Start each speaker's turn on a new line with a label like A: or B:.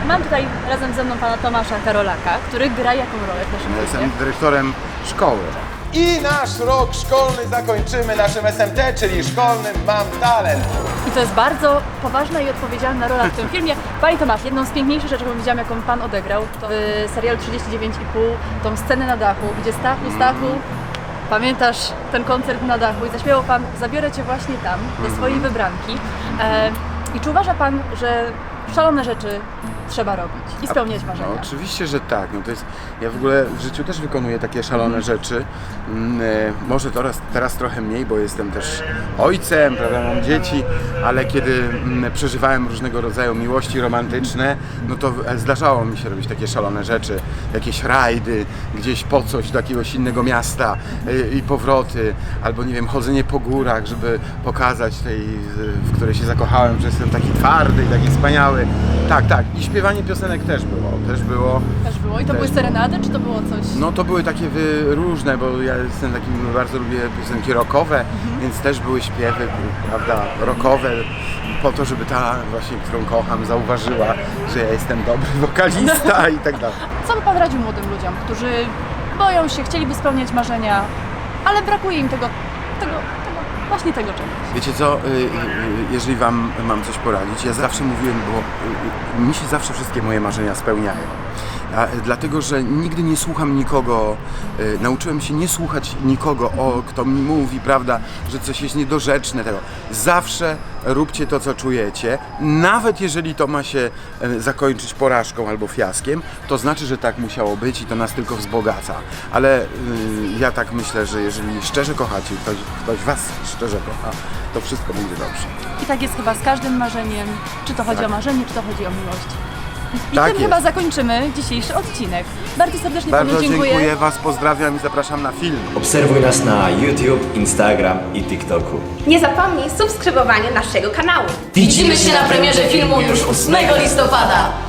A: Mam tutaj razem ze mną pana Tomasza Karolaka, który gra jaką rolę w naszym
B: Ja
A: filmie?
B: jestem dyrektorem szkoły.
C: I nasz rok szkolny zakończymy naszym SMT, czyli szkolnym Mam Talent.
A: I to jest bardzo poważna i odpowiedzialna rola w tym filmie. Panie Tomasz, jedną z piękniejszych rzeczy, jaką widziałam, jaką pan odegrał, to w serialu 39,5, tą scenę na dachu, gdzie Stachu, pamiętasz ten koncert na dachu i zaśpiewał pan "Zabiorę cię właśnie tam", do swojej wybranki. I czy uważa pan, że szalone rzeczy trzeba robić i spełniać marzenia?
B: No, oczywiście, że tak. No to jest, ja w ogóle w życiu też wykonuję takie szalone rzeczy. Może teraz trochę mniej, bo jestem też ojcem, prawda, mam dzieci, ale kiedy przeżywałem różnego rodzaju miłości romantyczne, no to zdarzało mi się robić takie szalone rzeczy, jakieś rajdy, gdzieś po coś do jakiegoś innego miasta i powroty, albo nie wiem, chodzenie po górach, żeby pokazać tej, w której się zakochałem, że jestem taki twardy i taki wspaniały. Tak, tak. I śpiewanie piosenek też było.
A: Też było. I to były serenady, czy to było coś?
B: No to były takie różne, bo ja jestem takim, bardzo lubię piosenki rockowe, więc też były śpiewy, prawda, rockowe, po to, żeby ta właśnie, którą kocham, zauważyła, że ja jestem dobry wokalista i tak dalej.
A: Co by pan radził młodym ludziom, którzy boją się, chcieliby spełniać marzenia, ale brakuje im właśnie tego czegoś?
B: Wiecie co, jeżeli wam mam coś poradzić, ja zawsze mówiłem, bo mi się zawsze wszystkie moje marzenia spełniają. Dlatego, że nigdy nie słucham nikogo, nauczyłem się nie słuchać nikogo, kto mi mówi, prawda, że coś jest niedorzeczne tego. Zawsze róbcie to, co czujecie, nawet jeżeli to ma się zakończyć porażką albo fiaskiem, to znaczy, że tak musiało być i to nas tylko wzbogaca. Ale ja tak myślę, że jeżeli szczerze kochacie, ktoś was szczerze kocha, to wszystko będzie dobrze.
A: I tak jest chyba z każdym marzeniem, czy to chodzi o marzenie, czy to chodzi o miłość. I
B: Tak
A: tym
B: jest.
A: chyba zakończymy dzisiejszy odcinek. Bardzo serdecznie
B: Bardzo
A: panu
B: dziękuję was, pozdrawiam i zapraszam na film.
D: Obserwuj nas na YouTube, Instagram i TikToku.
E: Nie zapomnij subskrybowania naszego kanału.
F: Widzimy się na premierze filmu już 8 listopada.